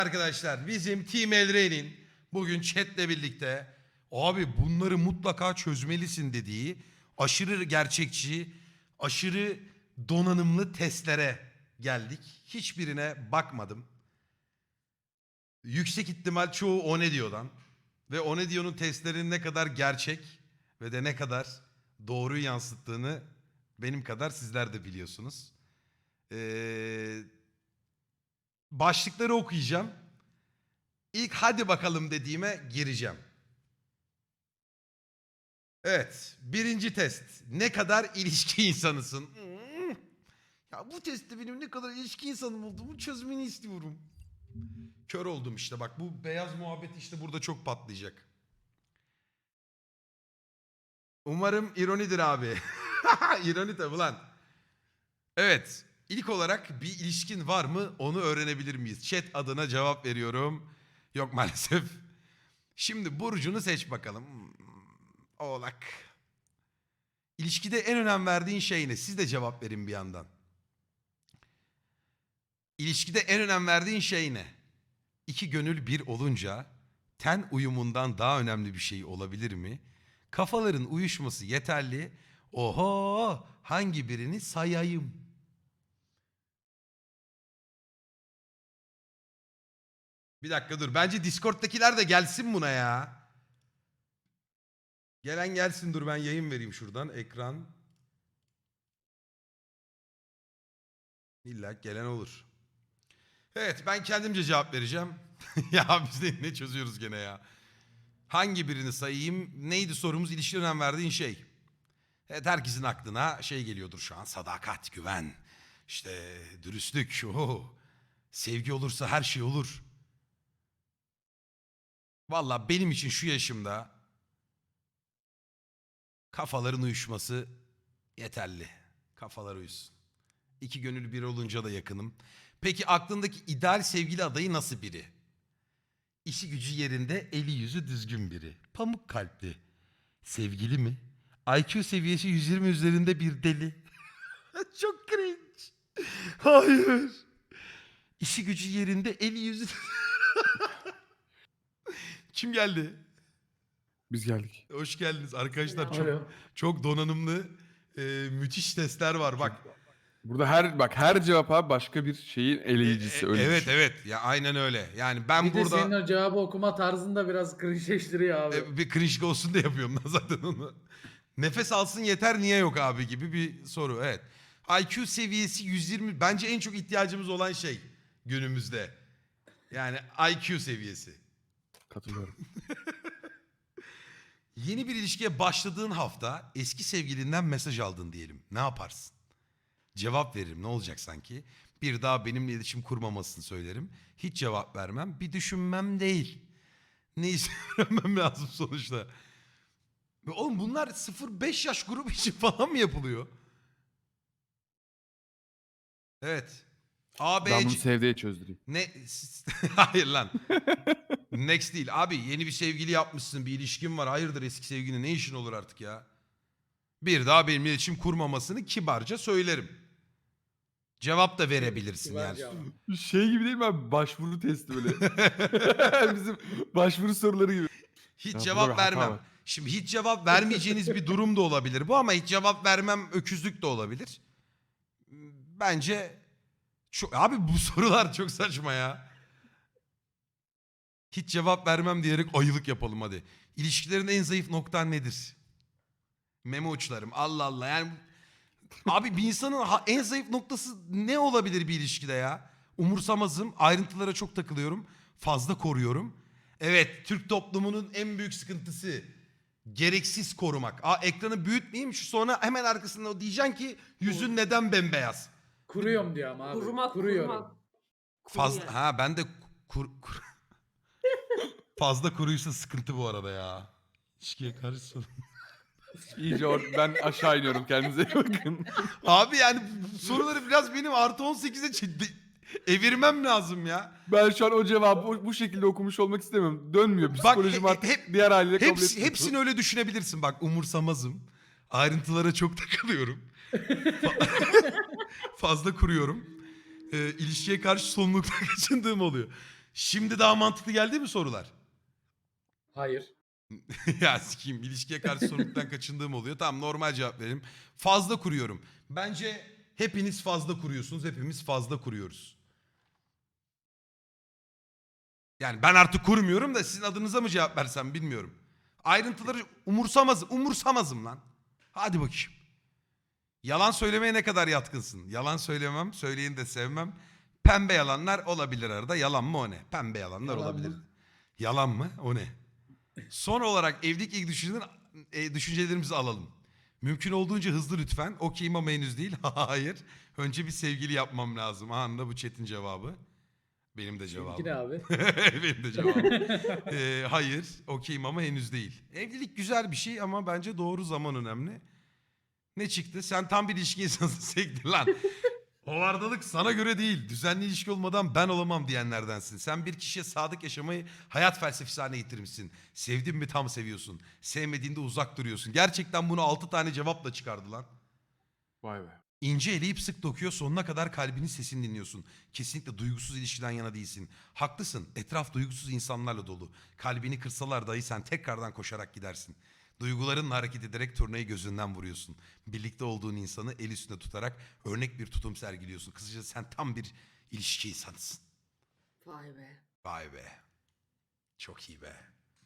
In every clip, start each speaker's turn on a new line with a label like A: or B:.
A: Arkadaşlar bizim Team Elrey'nin bugün chatle birlikte abi bunları mutlaka çözmelisin dediği aşırı gerçekçi, aşırı donanımlı testlere geldik. Hiçbirine bakmadım. Yüksek ihtimal çoğu o ne diyordan ve o ne diyor'nun testlerinin ne kadar gerçek ve de ne kadar doğruyu yansıttığını benim kadar sizler de biliyorsunuz. Başlıkları okuyacağım. İlk hadi bakalım dediğime gireceğim. Evet. Birinci test. Ne kadar ilişki insanısın? Ya bu testte benim ne kadar ilişki insanım olduğumu çözmeni istiyorum. Kör oldum işte bak. Bu beyaz muhabbet işte burada çok patlayacak. Umarım ironidir abi. İroni tabi lan. Evet. İlk olarak bir ilişkin var mı onu öğrenebilir miyiz? Chat adına cevap veriyorum. Yok maalesef. Şimdi burcunu seç bakalım. Oğlak. İlişkide en önem verdiğin şey ne? Siz de cevap verin bir yandan. İlişkide en önem verdiğin şey ne? İki gönül bir olunca ten uyumundan daha önemli bir şey olabilir mi? Kafaların uyuşması yeterli. Oho, hangi birini sayayım? Bir dakika dur. Bence Discord'dakiler de gelsin buna ya. Gelen gelsin, dur ben yayın vereyim şuradan. Ekran. İlla gelen olur. Evet, ben kendimce cevap vereceğim. Ya biz de ne çözüyoruz gene ya. Hangi birini sayayım? Neydi sorumuz? İlişkiye önem verdiğin şey. Evet, herkesin aklına şey geliyordur şu an. Sadakat, güven, işte dürüstlük. Sevgi olursa her şey olur. Valla benim için şu yaşımda kafaların uyuşması yeterli. Kafalar uyusun. İki gönül bir olunca da yakınım. Peki aklındaki ideal sevgili adayı nasıl biri? İşi gücü yerinde, eli yüzü düzgün biri. Pamuk kalpli. Sevgili mi? IQ seviyesi 120 üzerinde bir deli. Çok cringe. Hayır. İşi gücü yerinde, eli yüzü... Kim geldi?
B: Biz geldik.
A: Hoş geldiniz arkadaşlar. Çok
C: Alo.
A: çok donanımlı, müthiş testler var. Bak.
B: Burada her cevap abi başka bir şeyin eleyicisi öyle
A: Evet
B: düşün.
A: evet ya aynen öyle. Yani ben
C: Bir de
A: burada
C: senin o cevabı okuma tarzında biraz cringe'leştiriyor abi.
A: bir cringe olsun diye yapıyorum ben zaten onu. Nefes alsın yeter niye yok abi gibi bir soru. Evet. IQ seviyesi 120 bence en çok ihtiyacımız olan şey günümüzde. Yani IQ seviyesi.
B: Katılıyorum.
A: Yeni bir ilişkiye başladığın hafta eski sevgilinden mesaj aldın diyelim. Ne yaparsın? Cevap veririm ne olacak sanki? Bir daha benimle iletişim kurmamasını söylerim. Hiç cevap vermem. Bir düşünmem değil. Ne öğrenmem lazım sonuçta. Ve oğlum bunlar 0-5 yaş grubu için falan mı yapılıyor? Evet. A, B,
B: Ben bunu
A: C...
B: sevdiğe çözdüreyim.
A: Ne? Hayır lan. Next değil. Abi yeni bir sevgili yapmışsın. Bir ilişkin var. Hayırdır eski sevgili ne işin olur artık ya? Bir daha benimle iletişim kurmamasını kibarca söylerim. Cevap da verebilirsin
C: Kibar
A: yani.
C: cevap.
B: Şey gibi değil mi abi? Başvuru testi böyle. Bizim başvuru soruları gibi.
A: Hiç
B: Ya burada
A: cevap
B: bir hata
A: vermem.
B: var.
A: Şimdi hiç cevap vermeyeceğiniz bir durum da olabilir bu ama hiç cevap vermem öküzlük de olabilir. Bence abi bu sorular çok saçma ya. Hiç cevap vermem diyerek ayılık yapalım hadi. İlişkilerin en zayıf noktan nedir? Meme uçlarım. Allah Allah. Yani abi bir insanın en zayıf noktası ne olabilir bir ilişkide ya? Umursamazım. Ayrıntılara çok takılıyorum. Fazla koruyorum. Evet, Türk toplumunun en büyük sıkıntısı gereksiz korumak. Ekranı büyütmeyeyim şu sonra hemen arkasında o diyeceksin ki yüzün neden bembeyaz?
C: Kuruyorum diyor ama abi.
D: Kurumak,
C: Kuruyorum.
D: kurumak. Kuru
A: Fazla
D: yani.
A: ha ben de fazla kuruysa sıkıntı bu arada ya. İlişkiye karşı
B: İyice ben aşağı iniyorum. Kendinize iyi bakın.
A: Abi yani bu soruları biraz benim artı 18'e evirmem lazım ya.
B: Ben şu an o cevabı bu şekilde okumuş olmak istemiyorum. Dönmüyor. Psikolojim artık diğer haliyle kabul etmiyor.
A: Hepsini öyle düşünebilirsin. Bak umursamazım. Ayrıntılara çok takılıyorum. Fazla kuruyorum. İlişkiye karşı sorumlulukla kaçındığım oluyor. Şimdi daha mantıklı geldi mi sorular?
C: Hayır.
A: Ya sikeyim, ilişkiye karşı sorumluluktan kaçındığım oluyor. Tamam, normal cevap verelim. Fazla kuruyorum. Bence hepiniz fazla kuruyorsunuz. Hepimiz fazla kuruyoruz. Yani ben artık kurmuyorum da sizin adınıza mı cevap versem bilmiyorum. Ayrıntıları umursamazım lan. Hadi bakayım. Yalan söylemeye ne kadar yatkınsın? Yalan söylemem, söyleyeni de sevmem. Pembe yalanlar olabilir arada. Yalan mı o ne? Pembe yalanlar
C: Yalan
A: olabilir.
C: mı?
A: Yalan mı? O ne? Son olarak evlilik ilk düşüncelerimizi alalım. Mümkün olduğunca hızlı lütfen. Okeyim ama henüz değil. Hayır. Önce bir sevgili yapmam lazım. Anında bu chat'in cevabı. Benim de
C: Seninki
A: cevabım.
C: ne abi?
A: Benim de cevabım. Hayır. Okeyim ama henüz değil. Evlilik güzel bir şey ama bence doğru zaman önemli. Ne çıktı? Sen tam bir ilişki insansın. Sektir lan. Hovardalık sana göre değil. Düzenli ilişki olmadan ben olamam diyenlerdensin. Sen bir kişiye sadık yaşamayı hayat felsefesi haline getirmişsin. Sevdin mi tam seviyorsun. Sevmediğinde uzak duruyorsun. Gerçekten bunu 6 tane cevapla çıkardı lan.
B: Vay be.
A: İnce eleyip sık dokuyor, sonuna kadar kalbinin sesini dinliyorsun. Kesinlikle duygusuz ilişkiden yana değilsin. Haklısın, etraf duygusuz insanlarla dolu. Kalbini kırsalar dahi sen tekrardan koşarak gidersin. Duygularınla hareket ederek turnayı gözünden vuruyorsun. Birlikte olduğun insanı el üstünde tutarak örnek bir tutum sergiliyorsun. Kısaca sen tam bir ilişki insanısın.
D: Vay be.
A: Vay be. Çok iyi be.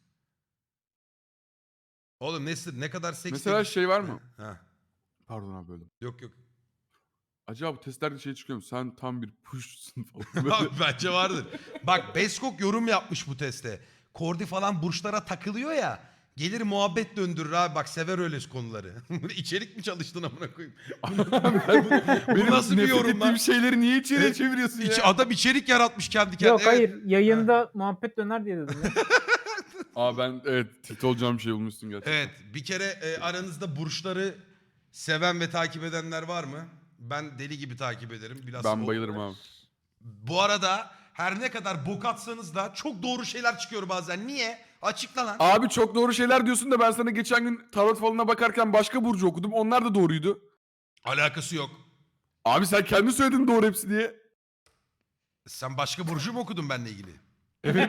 A: Oğlum ne kadar seks...
B: Mesela şey var mı?
A: Ha.
B: Pardon abi böldüm.
A: Yok yok.
B: Acaba bu testlerde şey çıkıyor mu? Sen tam bir push'sun falan.
A: Abi bence vardır. Bak Beskok yorum yapmış bu teste. Kordi falan burçlara takılıyor ya. Gelir muhabbet döndürür abi. Bak sever öyle konuları. İçerik mi çalıştın amına koyayım? Bu nasıl bir yorum lan?
B: şeyleri niye içeriye çeviriyorsun ya?
A: Adam içerik yaratmış kendi kendine.
E: Yok
A: Evet.
E: hayır yayında muhabbet döner diye dedim ya.
B: Aa ben evet tilt olacağım bir şey bulmuşsun gerçekten.
A: Evet. Bir kere aranızda burçları seven ve takip edenler var mı? Ben deli gibi takip ederim. Bilhassa
B: Ben bayılırım abi.
A: Bu arada her ne kadar bok atsanız da çok doğru şeyler çıkıyor bazen. Niye? Açıkla lan.
B: Abi çok doğru şeyler diyorsun da ben sana geçen gün tarot falına bakarken başka burcu okudum. Onlar da doğruydu.
A: Alakası yok.
B: Abi sen kendi söyledin doğru hepsi diye.
A: Sen başka burcu mu okudun benimle ilgili?
B: Evet.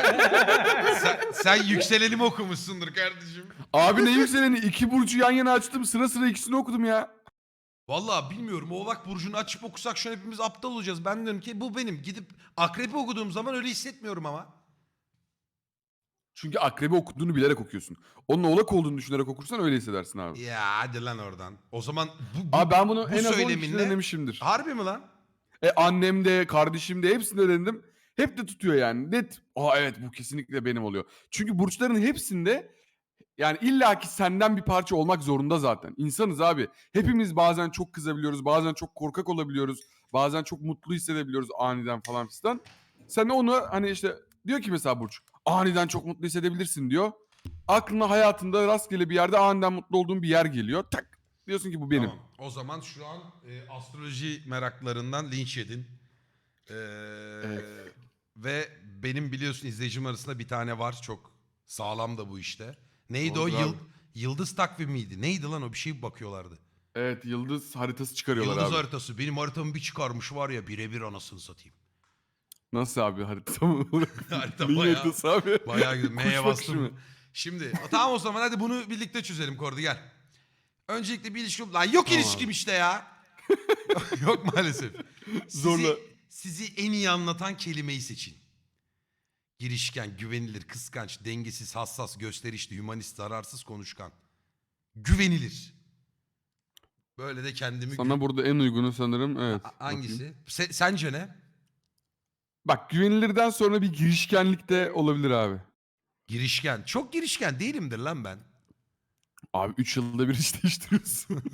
A: Sen yükselenimi okumuşsundur kardeşim.
B: Abi ne yükseleni? 2 burcu yan yana açtım. Sıra sıra ikisini okudum ya.
A: Vallahi bilmiyorum. Oğlak burcunu açıp okusak şu an hepimiz aptal olacağız. Ben diyorum ki bu benim. Gidip akrepi okuduğum zaman öyle hissetmiyorum ama.
B: Çünkü akrebi okuduğunu bilerek okuyorsun. Onun oğlak olduğunu düşünerek okursan öyle hissedersin abi.
A: Ya hadi lan oradan. O zaman bu
B: Abi ben bunu
A: bu
B: en az 10 kişide
A: söyleminle-
B: denemişimdir.
A: harbi mi lan?
B: Annem de, kardeşim de hepsinde denedim. Hep de tutuyor yani. Net. Aa evet bu kesinlikle benim oluyor. Çünkü burçların hepsinde yani illaki senden bir parça olmak zorunda zaten. İnsanız abi. Hepimiz bazen çok kızabiliyoruz, bazen çok korkak olabiliyoruz, bazen çok mutlu hissedebiliyoruz aniden falan fistan. Sen de onu hani işte diyor ki mesela Burç, aniden çok mutlu hissedebilirsin diyor. Aklına hayatında rastgele bir yerde aniden mutlu olduğun bir yer geliyor. Tak diyorsun ki bu benim.
A: Tamam. O zaman şu an astroloji meraklarından linç yedin.
B: Evet.
A: Ve benim biliyorsun izleyicim arasında bir tane var. Çok sağlam da bu işte. Neydi
B: Doğrudur
A: o?
B: abi.
A: Yıldız takvimi miydi? Neydi lan o? Bir şey bakıyorlardı.
B: Evet yıldız haritası çıkarıyorlar
A: Yıldız
B: abi.
A: haritası. Benim haritamı bir çıkarmış var ya, birebir anasını satayım.
B: Nasıl abi harita mı?
A: Harita
B: Neyin
A: bayağı-
B: haritası abi?
A: Bayağı güzel.
B: Kuş
A: M'ye
B: bakışı
A: bastım.
B: mı?
A: Şimdi tamam o zaman hadi bunu birlikte çözelim Kordi gel. Öncelikle bir ilişki... Lan yok
B: Tamam
A: ilişkim
B: abi.
A: işte ya. Yok maalesef.
B: Zorla.
A: Sizi en iyi anlatan kelimeyi seçin. Girişken, güvenilir, kıskanç, dengesiz, hassas, gösterişli, hümanist, zararsız, konuşkan. Güvenilir. Böyle de kendimi...
B: Sana burada en uygunu sanırım evet.
A: Hangisi?
B: Bakayım.
A: Sence ne?
B: Bak güvenilirden sonra bir girişkenlik de olabilir abi.
A: Girişken. Çok girişken değilimdir lan ben.
B: Abi 3 yılda bir iş değiştiriyorsun.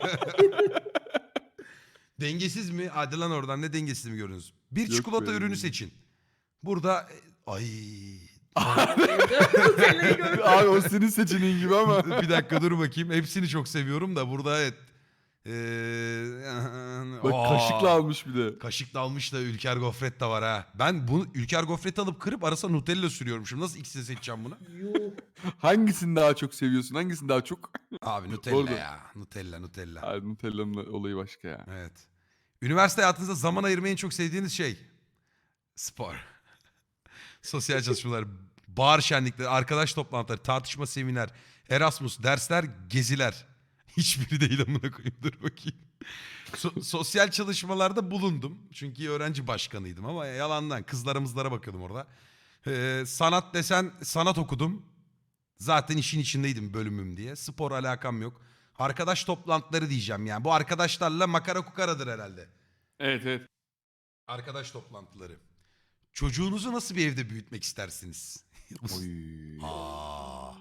A: Dengesiz mi? Hadi lan oradan, ne dengesiz mi gördünüz? Bir
B: Yok
A: çikolata
B: be.
A: ürünü seçin. Burada... Ay...
D: Seni gördüm.
B: Abi o senin seçeneğin gibi ama.
A: Bir dakika dur bakayım. Hepsini çok seviyorum da burada evet.
B: Bak
A: Aa,
B: kaşıkla almış bir de.
A: Kaşıkla almış da Ülker Gofret de var ha. Ben bunu Ülker Gofret'i alıp kırıp arasına Nutella sürüyorum. Şimdi nasıl ikisini seçeceğim bunu?
C: Yuh.
B: Hangisini daha çok seviyorsun? Hangisini daha çok?
A: Abi Nutella
B: Orada.
A: ya. Nutella.
B: Abi Nutella'nın olayı başka ya.
A: Evet. Üniversite hayatınızda zaman ayırmayı en çok sevdiğiniz şey? Spor. Sosyal çalışmalar, bahar şenlikleri, arkadaş toplantıları, tartışma seminer, Erasmus, dersler, geziler. Hiçbiri değil amına koyayım. Dur bakayım. Sosyal çalışmalarda bulundum. Çünkü öğrenci başkanıydım ama yalandan kızlara bakıyordum orada. Sanat desen sanat okudum. Zaten işin içindeydim bölümüm diye. Spor alakam yok. Arkadaş toplantıları diyeceğim yani. Bu arkadaşlarla makara kukaradır herhalde.
B: Evet evet.
A: Arkadaş toplantıları. Çocuğunuzu nasıl bir evde büyütmek istersiniz?
B: Oy.
A: Aa.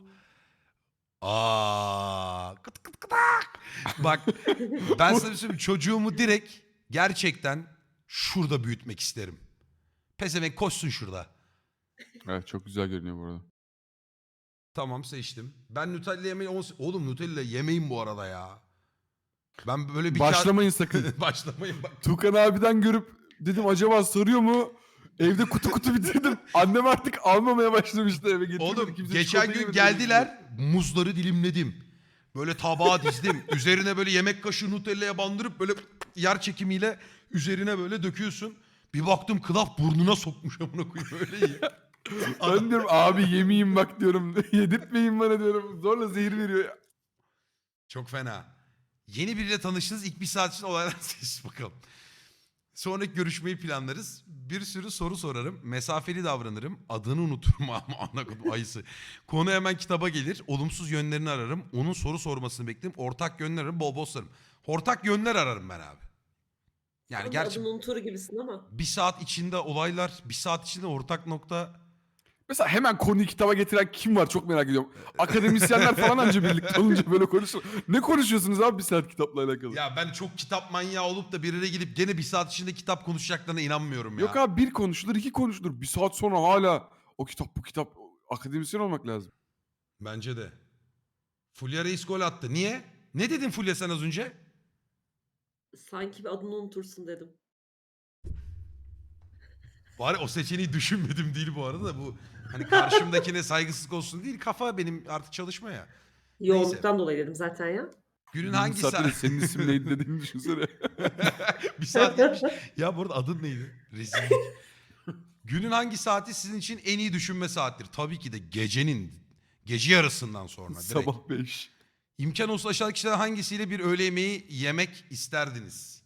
A: Aa. Kıt kıt kıtak. Bak ben sana bir şey söyleyeyim. Çocuğumu direkt gerçekten şurada büyütmek isterim. Pezevenk koşsun şurada.
B: Evet çok güzel görünüyor bu arada.
A: Tamam seçtim. Ben Nutella yemeği... Oğlum Nutella yemeyin bu arada ya. Ben böyle bir
B: Başlamayın sakın.
A: Başlamayın bak.
B: Tukan abiden görüp dedim acaba sarıyor mu? Evde kutu kutu bitirdim. Annem artık almamaya başlamıştı eve getirmedi.
A: Oğlum
B: Kimse
A: geçen
B: çikolata
A: gün
B: yemedi.
A: geldiler. Muzları dilimledim. Böyle tabağa dizdim. Üzerine böyle yemek kaşığı Nutella'ya bandırıp böyle yer çekimiyle üzerine böyle döküyorsun. Bir baktım Klaf burnuna sokmuş amına koyayım öyle iyi.
B: Ben diyorum abi yemeyeyim bak diyorum. Yedirtmeyin bana diyorum. Zorla zehir veriyor ya.
A: Çok fena. Yeni biriyle tanıştınız. İlk bir saat için olaylar seç bakalım. Sonraki görüşmeyi planlarız. Bir sürü soru sorarım. Mesafeli davranırım. Adını unuturum ama ana kodum ayısı. Konu hemen kitaba gelir. Olumsuz yönlerini ararım. Onun soru sormasını beklerim. Ortak yönler ararım. Bol bol sorarım. Ortak yönler ararım ben abi. Yani
D: Sen de
A: gerçi
D: adını unutur gibisin ama.
A: bir saat içinde olaylar, bir saat içinde ortak nokta.
B: Mesela hemen konuyu kitaba getiren kim var çok merak ediyorum. Akademisyenler falan anca birlikte olunca böyle konuşur. Ne konuşuyorsunuz abi bir saat kitapla alakalı?
A: Ya ben çok kitap manyağı olup da bir yere gidip gene bir saat içinde kitap konuşacaklarına inanmıyorum ya.
B: Yok abi bir konuşulur iki konuşulur. Bir saat sonra hala o kitap bu kitap akademisyen olmak lazım.
A: Bence de. Fulya Reis gol attı. Niye? Ne dedin Fulya sen az önce?
D: Sanki bir adını unutursun dedim.
A: Bari o seçeneği düşünmedim değil bu arada da bu hani karşımdakine saygısızlık olsun değil kafa benim artık çalışma ya.
D: Yoğunluktan dolayı dedim zaten ya.
A: Günün
B: Bir
A: hangi
B: saatte de
A: saat?
B: senin isim neydi dediğini düşünsene.
A: Bir saat geçmiş. Ya bu arada adın neydi? Rezillik. Günün hangi saati sizin için en iyi düşünme saattir? Tabii ki de gece yarısından sonra direkt.
B: Sabah 5.
A: İmkan olsa aşağıdaki kişilerden hangisiyle bir öğle yemeği yemek isterdiniz?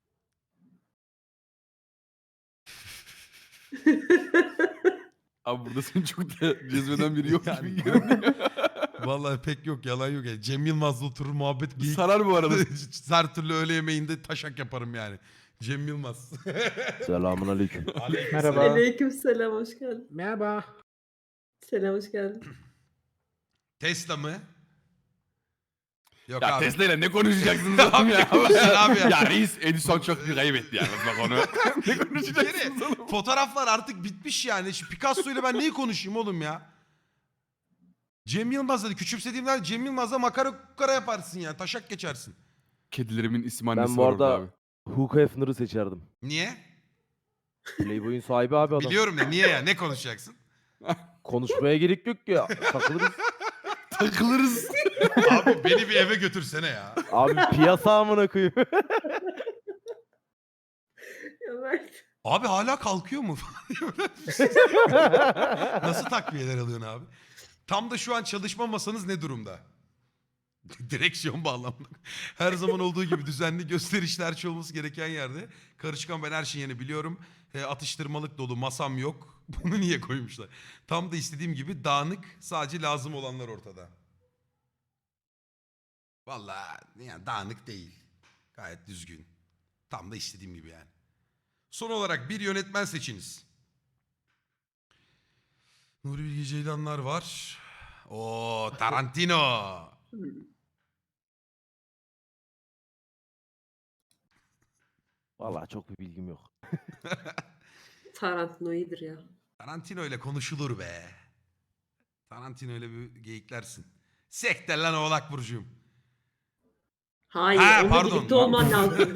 B: Abi burada seni çok da cezbeden biri yok
A: Yani
B: gibi görünüyor.
A: Vallahi pek yok yalan yok. Yani Cem Yılmaz'la oturur muhabbet geyik.
B: Sarar bu arada.
A: Her türlü öğle yemeğinde taşak yaparım yani. Cem Yılmaz.
F: Selamun aleyküm.
E: Merhaba.
D: Aleykümselam hoş geldin.
E: Merhaba.
D: Selam hoş geldin.
A: Tesla mı? Yok
B: Ya
A: abi.
B: Tesla ile ne konuşacaksınız
A: Abi
B: oğlum
A: ne
B: ya?
A: konuşacaksın abi ya?
B: Ya reis Edison çok bir kaybetti yani bak onu. Ne konuşacaksınız oğlum?
A: Fotoğraflar artık bitmiş yani. Şu Picasso ile ben neyi konuşayım oğlum ya? Cem Yılmaz dedi. Küçümsediğimden Cem Yılmaz'la makara kukara yaparsın ya. Taşak geçersin.
B: Kedilerimin isim annesi
F: Ben bu
B: var orada
F: arada
B: abi.
F: Hugh Hefner'ı seçerdim.
A: Niye?
F: Playboy'un sahibi abi adam.
A: Biliyorum da niye ya? Ne konuşacaksın?
F: Konuşmaya gerek yok ki. Takılırız.
B: Takılırız.
A: Abi beni bir eve götürsene ya.
F: Abi piyasa amına koyayım.
D: Ya Mert.
A: Abi hala kalkıyor mu? Nasıl takviyeler alıyorsun abi? Tam da şu an çalışma masanız ne durumda? Direksiyon bağlamında. Her zaman olduğu gibi düzenli gösterişli her şey olması gereken yerde. Karışkan ben her şeyi yeni biliyorum. Atıştırmalık dolu masam yok. Bunu niye koymuşlar? Tam da istediğim gibi dağınık sadece lazım olanlar ortada. Vallahi yani dağınık değil. Gayet düzgün. Tam da istediğim gibi yani. Son olarak bir yönetmen seçiniz. Nuri Bilge Ceylanlar var. O Tarantino.
F: Vallahi çok bir bilgim yok.
D: Tarantino iyidir ya.
A: Tarantino ile konuşulur be. Tarantino ile bir geyiklersin. Sekte lan Oğlak Burcu'yum.
D: Hayır
A: Ha,
D: onunla
A: pardon.
D: birlikte olman lazım.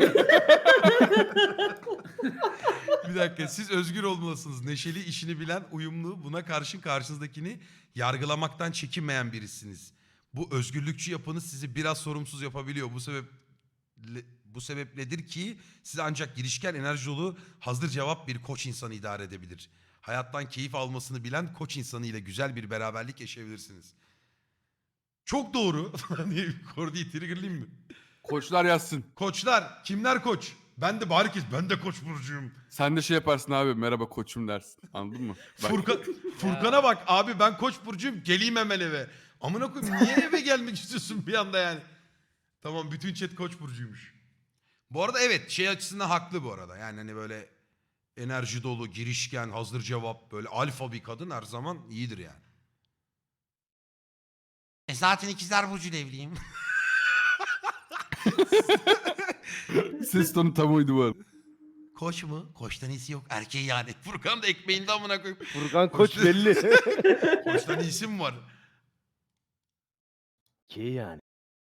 A: Bir dakika siz özgür olmalısınız. Neşeli, işini bilen, uyumlu, buna karşın karşınızdakini yargılamaktan çekinmeyen birisiniz. Bu özgürlükçü yapınız sizi biraz sorumsuz yapabiliyor. Bu sebepledir ki sizi ancak girişken, enerji dolu, hazır cevap bir koç insanı idare edebilir. hayattan keyif almasını bilen koç insanı ile güzel bir beraberlik yaşayabilirsiniz. Çok doğru. Niye Kordi'yi triggerlayayım mı?
B: Koçlar yazsın.
A: Koçlar. Kimler koç? Ben de bari ben de koç burcuyum.
B: Sen de şey yaparsın abi, merhaba koçum dersin. Anladın mı? Bak,
A: Furkan'a bak abi, ben koç burcuyum, geleyim hemen eve. Amına koyayım, niye eve gelmek istiyorsun bir anda yani? Tamam, bütün chat koç burcuymuş. Bu arada evet, şey açısından haklı bu arada. Yani hani böyle enerji dolu, girişken, hazır cevap, böyle alfa bir kadın her zaman iyidir yani. Zaten ikizler burcuyla evliyim.
B: ses tonu tam uydu bu arada.
A: Koç mu? Koçtan iyisi yok. Erkeği yani. Furkan da ekmeğinde amına koyayım.
F: Furkan Koç belli.
A: Koçtan iyisi mi var?
F: Ki yani.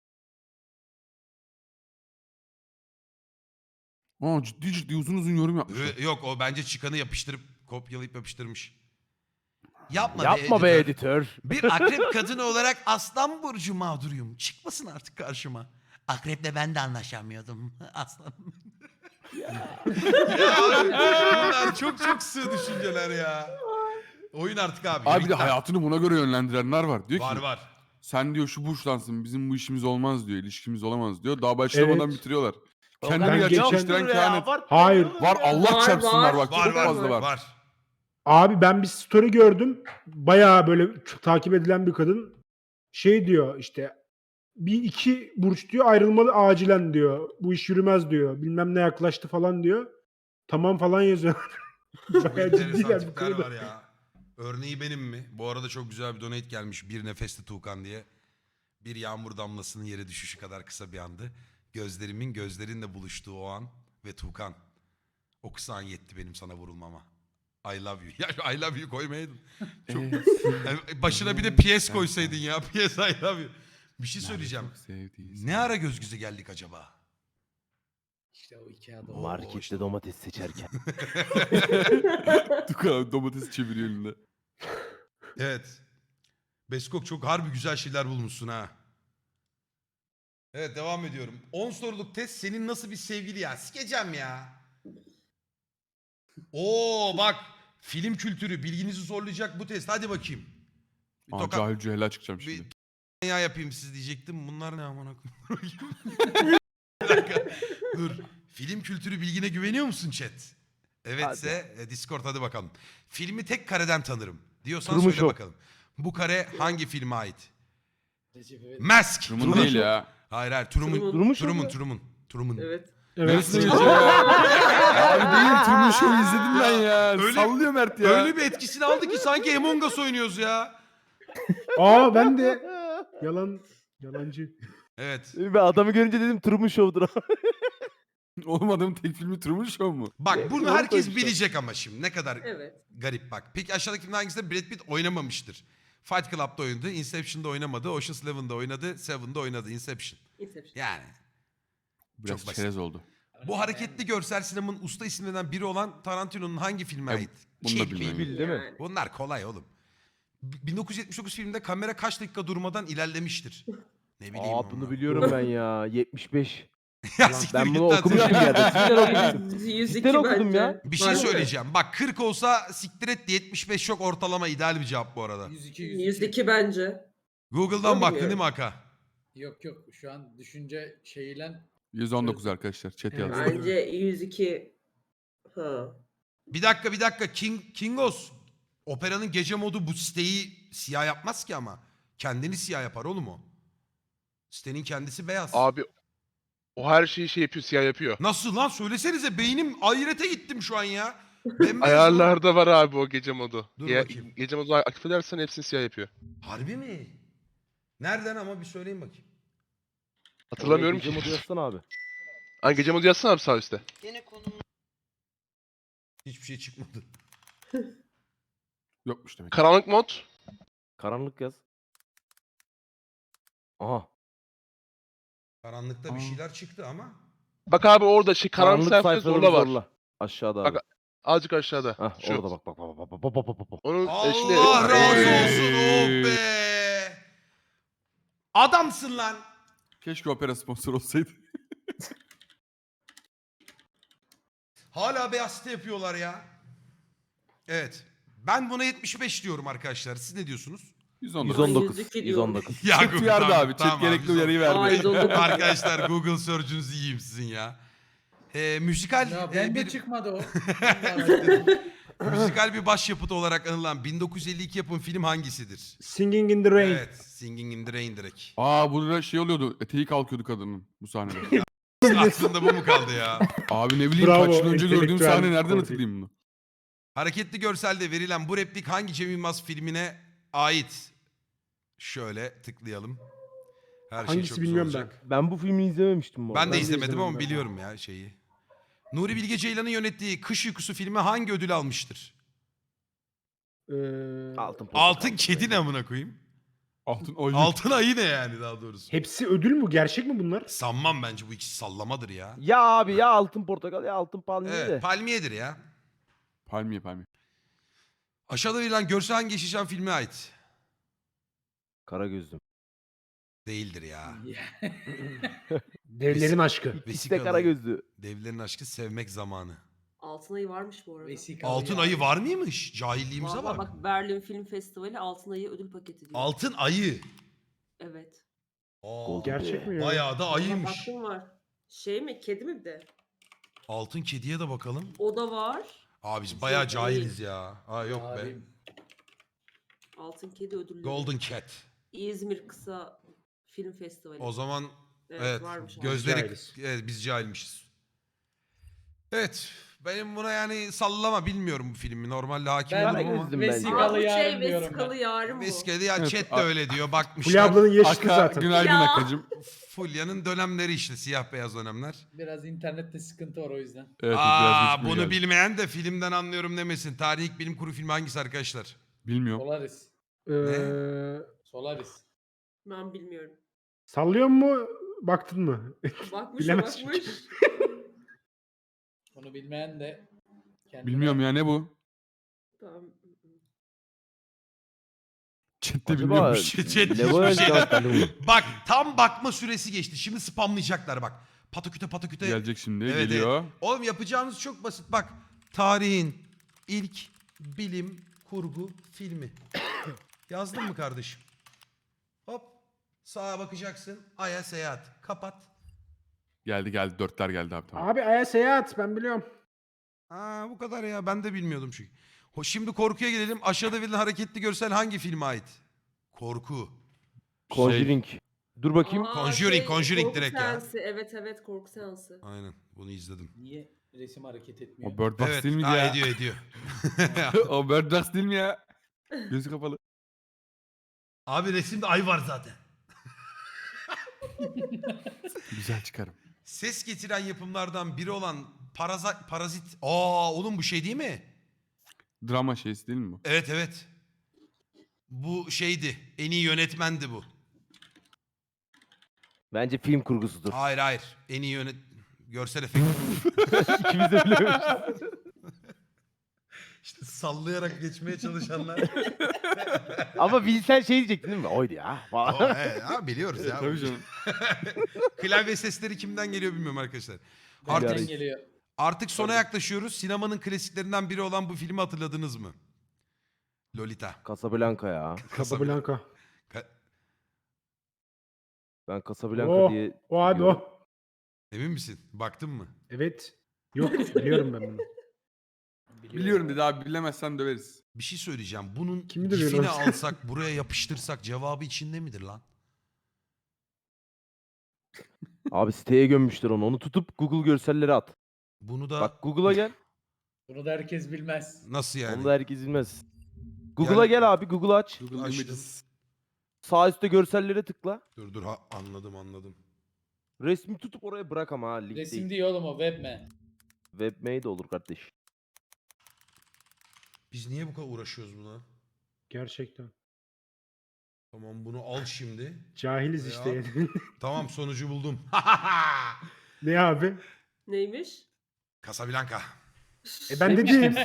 B: Aa, ciddi ciddi uzun uzun yorum yapmışlar.
A: Yok, o bence çıkanı yapıştırıp kopyalayıp yapıştırmış. Yapma,
F: Yapma be editör.
A: Bir akrep kadını olarak aslan burcu mağduruyum. Çıkmasın artık karşıma. Akreple ben de anlaşamıyordum. Aslan. Ya abi, bunlar çok çok sığ düşünceler ya. Oyun artık abi.
B: Abi bir de
A: bitti.
B: hayatını buna göre yönlendirenler var. Diyor
A: Var
B: ki
A: var.
B: sen diyor şu burçlansın, bizim bu işimiz olmaz diyor, ilişkimiz olamaz diyor. Daha başlamadan
E: Evet.
B: bitiriyorlar.
E: Ben
B: Kendini gerçekleştiren
E: geçen-
B: kehanet.
E: Hayır.
B: Var, Allah
D: Var,
B: çarpsınlar
D: var.
B: bak,
A: Var
B: çok
A: var
B: fazla var.
A: var.
E: Abi ben bir story gördüm. Bayağı böyle takip edilen bir kadın. Şey diyor işte, bir iki burç diyor ayrılmalı acilen diyor. Bu iş yürümez diyor. Bilmem ne yaklaştı falan diyor. Tamam falan yazıyor.
A: Çok
E: Bayağı
A: enteresan
E: ciddiler bu
A: tipler
E: konuda.
A: var ya. Örneği benim mi? Bu arada çok güzel bir donate gelmiş. Bir nefeste Tuğkan diye. Bir yağmur damlasının yere düşüşü kadar kısa bir andı. Gözlerimin gözlerinle buluştuğu o an ve Tuğkan. O kısa an yetti benim sana vurulmama. I love you. Ya I love you koymaydın. Çok... Yani başına bir de PS koysaydın ya. PS I love you. Bir şey söyleyeceğim. Ne ara göz göze geldik acaba?
C: İşte o iki adam.
A: Oo,
F: Markette
A: işte.
F: domates seçerken.
B: Tukan domates çeviriyor elinde.
A: Evet. Beskok çok harbi güzel şeyler bulmuşsun ha. Evet, devam ediyorum. 10 soruluk test, senin nasıl bir sevgili ya? Sikeceğim ya. Oo bak, film kültürü bilginizi zorlayacak bu test. Hadi bakayım. Bir
B: Aa,
A: tokat
B: cahil cühela çıkacağım
A: bir
B: şimdi.
A: ya yapayım siz diyecektim. Bunlar ne amına koyayım? Bir dakika. Dur. Film kültürü bilgine güveniyor musun chat? Evetse Discord hadi bakalım. Filmi tek kareden tanırım diyorsan
F: Truman
A: söyle
F: Show.
A: bakalım. Bu kare hangi filme ait?
C: Recep İvedik.
A: Mask.
B: Truman değil ya.
A: Hayır. Truman.
D: Truman.
A: Truman.
D: Evet.
E: Evet.
B: Nasıl ya? Abi değil, Truman Show'u izledim ben ya.
A: Öyle-
B: Sallıyor Mert ya.
A: Öyle bir etkisini aldı ki sanki Among Us oynuyoruz ya.
E: Aa ben de yalancı.
A: Evet.
F: Ben adamı görünce dedim Truman Show'dur.
B: Oğlum adamın tek filmi Truman Show mu?
A: Bak bunu
F: Doğru
A: herkes
F: koymuşlar.
A: bilecek ama şimdi ne kadar
D: Evet.
A: garip bak. Peki aşağıdaki filmden hangisinde Brad Pitt oynamamıştır? Fight Club'da oynadı, Inception'da oynamadı, Ocean's 11'da oynadı, Seven'da oynadı, Inception.
D: Inception.
A: Yani.
B: Biraz
A: Çok basit.
B: çerez oldu.
A: Bu hareketli görsel sinemanın usta isimlerinden biri olan Tarantino'nun hangi filme
B: E,
A: ait?
B: bunu da
A: Kill Bill.
B: bilmem.
F: Bil değil mi?
D: Yani.
A: Bunlar kolay oğlum. 1979 filminde kamera kaç dakika durmadan ilerlemiştir? Ne bileyim.
F: Aa bunu biliyorum ben ya. 75.
A: Ya
F: Lan
A: siktir
F: ben
A: git
F: bunu
A: lan
F: okumuşum
A: sen.
F: bir yerde. Cidden okudum.
D: 102
F: Cidden okudum
D: bence.
F: ya.
A: Bir şey
D: Var mı?
A: söyleyeceğim. Bak 40 olsa siktir et de 75 çok ortalama ideal bir cevap bu arada.
C: 102
D: 102 bence.
A: Google'dan
D: Tabii
A: baktın
D: ya.
A: değil mi Aka?
C: Yok yok şu an düşünce şeyiyle
B: 119 arkadaşlar. Chat
C: Evet.
B: yazdı.
D: Bence 102. Ha.
A: Bir dakika. Kingos. Operanın gece modu bu siteyi siyah yapmaz ki ama. Kendini siyah yapar oğlum o. Sitenin kendisi beyaz.
G: Abi o her şeyi şey yapıyor, siyah yapıyor.
A: Nasıl lan, söylesenize, beynim ahirete gittim şu an ya. Bembeyaz oğlum.
G: Ayarlarda var abi o gece modu.
A: Dur bakayım.
G: Gece modu aktif edersen hepsini siyah yapıyor.
A: Harbi mi? Nereden ama bir söyleyin bakayım.
G: Hatırlamıyorum
F: Oraya
G: ki.
F: gece modu yazsana abi.
G: Hani gece modu yazsana abi sağ üstte.
A: Hiçbir şey çıkmadı.
B: Yokmuş demek.
G: Karanlık mod.
F: Karanlık yaz. Aha.
A: Karanlıkta bir
B: Aa.
A: şeyler çıktı ama.
G: Bak abi orada şey karanlık sayfada
F: sayfaları
G: zorla var.
F: zorla. Aşağıda abi.
G: Bak, Azıcık aşağıda.
F: Hah,
G: Şu.
F: orada bak. Bak.
G: Onun şimdi
A: Allah razı
B: Hey.
A: olsun, oh be. Adamsın lan.
B: Keşke opera sponsor olsaydı.
A: Hala beyaz site yapıyorlar ya. Evet. Ben buna 75 diyorum arkadaşlar. Siz ne diyorsunuz?
B: 119.
F: 119.
D: 112 diyorum.
F: 119.
A: Ya
B: Chat
A: Google,
B: uyardı
A: tamam,
B: abi. Chat
A: tamam
B: gerekli
A: 119.
B: uyarıyı verdi.
D: Aa, 119.
A: Arkadaşlar Google search'ünüzü yiyeyim sizin ya. Müzikal
C: Ya ben de
A: bir
C: çıkmadı o. Allah
A: müzikal bir başyapıt olarak anılan 1952 yapım film hangisidir?
E: Singing in the Rain.
A: Evet, Singing in the Rain direkt.
B: Aa burada şey oluyordu. Eteği kalkıyordu kadının bu sahnede.
A: Aklında bu mu kaldı ya?
B: Abi ne bileyim
E: Bravo,
B: kaç yıl önce gördüğüm
E: entelektüel
B: sahne nereden
E: korku.
B: hatırlayayım bunu?
A: Hareketli görselde verilen bu replik hangi Cem Yılmaz filmine ait? Şöyle tıklayalım. Her şey
E: Hangisi
A: çok güzel
E: bilmiyorum
A: olacak.
F: Ben bu filmi izlememiştim bu
A: Ben
F: arada.
A: de
E: de
A: izlemedim
E: izlemedim
A: ama
E: ben.
A: biliyorum ya şeyi. Nuri Bilge Ceylan'ın yönettiği Kış Uykusu filmi hangi ödül almıştır?
F: Altın,
A: Altın kedi ne amına koyayım?
B: Altın ayı.
A: Altın ayı ne yani daha doğrusu?
E: Hepsi ödül mü? Gerçek mi bunlar?
A: Sanmam bence bu ikisi sallamadır ya.
F: Ya abi ya altın portakal ya altın palmiye
A: Evet,
F: de.
A: palmiyedir ya.
B: Palmiye palmiye.
A: Aşağıda verilen görsel hangi Yeşilçam filmine ait?
F: Kara gözlüm.
A: Değildir ya.
C: Ya.
E: Devlerin aşkı.
F: İkisi de
A: Vesikalı.
F: kara gözlü.
A: Devlerin aşkı sevmek zamanı.
D: Altın Ayı varmış bu arada.
C: Vesikalı
A: Altın
C: ya.
A: ayı var mıymış? Cahilliğimize
D: Vallahi
A: bak.
D: bak Berlin Film Festivali Altın Ayı ödül paketi diyor.
A: Altın ayı.
D: Evet.
A: Aa,
E: Gerçek mi ya?
A: bayağı da
D: Ama
A: ayıymış.
D: baktım var. Şey mi? Kedi mi bir de?
A: Altın kediye de bakalım.
D: O da var.
A: Aa biz bayağı
D: Yok,
A: cahiliz ya. Aa yok be.
C: Abim,
D: Altın Kedi ödülleri.
A: Golden Cat.
D: İzmir Kısa Film Festivali.
A: O zaman
D: Evet,
A: evet,
D: varmış abi.
A: gözleri
E: Cahiliz.
A: evet, biz cahilmişiz. Evet benim buna yani sallama bilmiyorum bu filmi. Normalde hakim
C: Ben-
A: olurum ama.
F: Gözlüm bence.
C: Vesikalı
D: Aa, bu
C: yarın
D: şey
C: diyorum
D: vesikalı
C: ben.
D: yarın bu.
A: Viskeli ya
B: Evet,
A: chat de
B: a-
A: öyle diyor
E: Fulya
A: bakmışlar.
E: ablanın yaşıtı
B: Aka
E: zaten.
B: günaydın
D: Ya.
B: Akacım.
A: Fulya'nın dönemleri işte siyah beyaz dönemler.
C: Biraz internette sıkıntı var o yüzden.
B: Evet, biraz
A: Aa
B: geçmiyor
A: bunu
B: geldi.
A: bilmeyen de filmden anlıyorum demesin. Tarihi ilk bilim kurgu filmi hangisi arkadaşlar?
B: Bilmiyorum.
C: Solaris. Solaris.
D: Ben bilmiyorum.
E: Sallıyor mu? Baktın mı?
D: Bakmış
E: Bilemez
D: bakmış.
C: Bunu bilmeyen de kendine...
B: Bilmiyorum ya ne bu?
D: Tamam.
B: Chat'te
F: Acaba
B: bilmiyormuş.
A: Chat
F: Levo'ya
A: hiçbir şey-
F: cevap verdi mi?
A: Bak tam bakma süresi geçti. Şimdi spamlayacaklar bak. Pataküte pataküte.
B: Gelecek şimdi
A: Evet,
B: geliyor.
A: Oğlum yapacağınız çok basit. Bak tarihin ilk bilim kurgu filmi. Yazdın mı kardeşim? Hop sağa bakacaksın. Ay'a seyahat. Kapat.
B: Geldi dörtler geldi abi tamam.
E: Abi Aya Seyahat ben biliyorum.
A: Aa bu kadar ya. Ben de bilmiyordum çünkü. Şimdi korkuya gelelim. Aşağıda verilen hareketli görsel hangi filme ait? Korku.
F: Conjuring. Dur bakayım.
D: Aa,
A: Conjuring, Conjuring
D: korku
A: direkt ya.
D: seansı. Evet evet korku seansı.
A: Aynen. Bunu izledim.
C: Niye resim hareket etmiyor?
B: O Bird Box
A: Evet.
B: değil miydi
A: Ha,
B: ya?
A: ediyor.
B: O Bird Box değil mi ya? Gözü kapalı.
A: Abi resimde ay var zaten.
B: Güzel çıkarım.
A: Ses getiren yapımlardan biri olan Parazit. Aa oğlum bu şey değil mi?
B: Drama şeysi değil mi bu?
A: Evet evet. Bu şeydi. En iyi yönetmendi bu.
F: Bence film kurgusudur.
A: Hayır. En iyi görsel efekt.
F: İkimiz de bilememişiz.
A: İşte sallayarak geçmeye çalışanlar.
F: Ama bilsen şey diyecektin değil mi? Oydu ya. Falan.
A: Biliyoruz ya.
B: Tabii canım.
A: Klavye sesleri kimden geliyor bilmiyorum arkadaşlar.
C: Nereden
A: Artık,
C: geliyor?
A: artık sona yaklaşıyoruz. Sinemanın klasiklerinden biri olan bu filmi hatırladınız mı? Lolita.
F: Casablanca ya.
E: Casablanca.
A: Ka-
F: Ben Casablanca
E: O,
F: diye
E: o abi
F: biliyorum.
E: o.
A: Emin misin? Baktın mı?
E: Evet. Yok biliyorum ben bunu.
B: Biliyorum dedi abi bilemezsen döveriz.
A: Bir şey söyleyeceğim. Bunun
E: Kimi dövüyor
A: gifini
E: lan?
A: alsak buraya yapıştırsak cevabı içinde midir lan?
F: Abi siteye gömmüşler onu. Onu tutup Google görselleri at.
A: Bunu da
F: Bak Google'a gel.
C: Bunu da herkes bilmez.
A: nasıl yani?
F: Onu da herkes bilmez. Google'a gel abi. Google aç.
B: Google
A: Açtım.
B: Images.
F: Sağ üstte görsellere tıkla.
A: Dur anladım.
F: Resmi tutup oraya bırak ama ha. Link
C: Resim
F: değil.
C: değil oğlum o webme.
F: Webmail de olur kardeş.
A: Biz niye bu kadar uğraşıyoruz buna?
E: Gerçekten.
A: Tamam bunu al şimdi.
E: Cahiliz
A: Ya.
E: işte.
A: Tamam sonucu buldum.
E: Ne abi?
D: Neymiş?
A: Casablanca.
E: Ben dedim.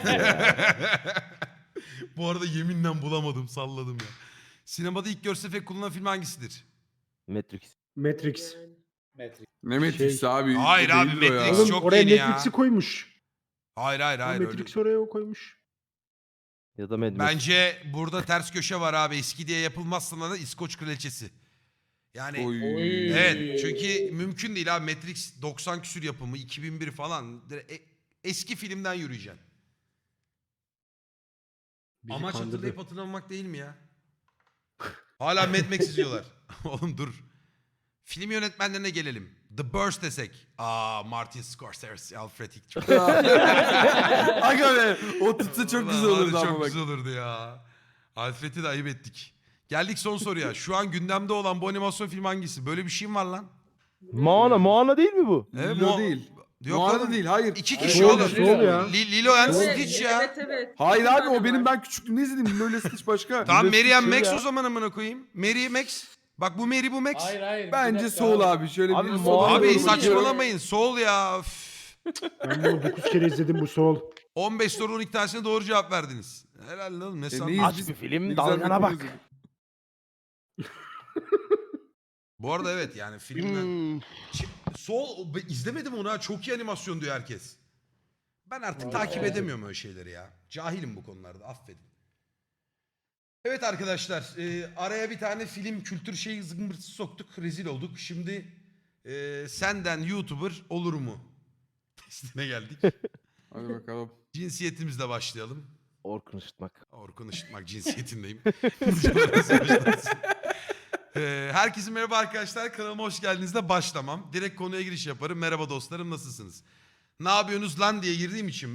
A: Bu arada yeminle bulamadım salladım ya. Sinemada ilk görsel efekt kullanılan film hangisidir?
F: Matrix.
E: Matrix.
D: Yani.
C: Matrix.
B: Ne Matrix abi?
A: Hayır
B: o
A: abi,
B: değildir o ya.
A: Matrix
E: Oğlum
A: çok
E: oraya
A: yeni ya.
E: Matrix'i koymuş.
A: Hayır öyle.
E: Matrix oraya o koymuş.
F: Ya da Mad Max.
A: Bence burada ters köşe var abi. Eski diye yapılmazsa da İskoç kraliçesi. Yani
B: Oy.
A: evet, çünkü mümkün değil abi. Matrix 90 küsür yapımı, 2001 falan. Eski filmden yürüyeceksin.
E: Bizi
A: Amaç
E: kandırdı.
A: hatırlayıp hatırlamamak değil mi ya? Hala Mad Max izliyorlar. Oğlum dur. Film yönetmenlerine gelelim. The Burst desek. Martin Scorsese, Alfred Hitchcock.
B: Aga be o tutsa çok güzel
A: Vallahi
B: olurdu ama
A: Çok
B: bak.
A: güzel olurdu ya. Alfred'i de ayıp ettik. Geldik son soruya. Şu an gündemde olan bu animasyon film hangisi? Böyle bir şey mi var lan?
F: Moana değil mi bu?
B: Lilo değil.
A: Yok
B: Moana
A: oğlum.
B: değil hayır.
A: İki
C: Hayır,
A: kişi
E: Soul,
A: oğlum.
E: Soul ya.
A: Lilo and
D: Evet,
A: Stitch ya.
D: Evet evet.
B: Hayır
D: Bir
B: abi
D: tane
B: o benim
D: var.
B: ben küçüklüğümde izledim. Lilo ile Stitch başka.
A: Tamam
B: Lilo
A: Mary and
B: Stitch
A: Max
B: ya.
A: o zaman amına koyayım. Mary Max. Bak bu Mary bu Max.
C: Hayır hayır. bir
B: Bence
C: dakika
B: Soul abi. Şöyle
F: Abi
B: bir
F: Moana
B: Soul'a
A: Abi
B: doğru
F: doğru
A: saçmalamayın. Soul ya. Üf.
E: Ben bunu 9 kere izledim bu Soul.
A: 15 sorunun 12 tanesine doğru cevap verdiniz. Helal oğlum ne
B: ne
A: sandın?
F: Aç
B: biz-
F: bir film,
B: Ne güzel
F: dalgana
B: bir
F: bak.
B: konu izledik.
A: Bu arada evet yani filmden.
G: Hmm.
A: Soul izlemedim onu ha. Çok iyi animasyon diyor herkes. Ben artık
C: Evet,
A: takip
C: evet.
A: edemiyorum öyle şeyleri ya. Cahilim bu konularda affedin. Evet arkadaşlar araya bir tane film kültür şeyi zımbırtısı soktuk. Rezil olduk. Şimdi senden YouTuber olur mu? Testine geldik.
B: Hadi bakalım.
A: Cinsiyetimizle başlayalım.
F: Orkun Işıtmak.
A: Orkun Işıtmak cinsiyetindeyim. Herkese merhaba arkadaşlar. Kanalıma hoş geldinizle başlamam. Direkt konuya giriş yaparım. Merhaba dostlarım nasılsınız? Ne yapıyorsunuz lan diye girdiğim için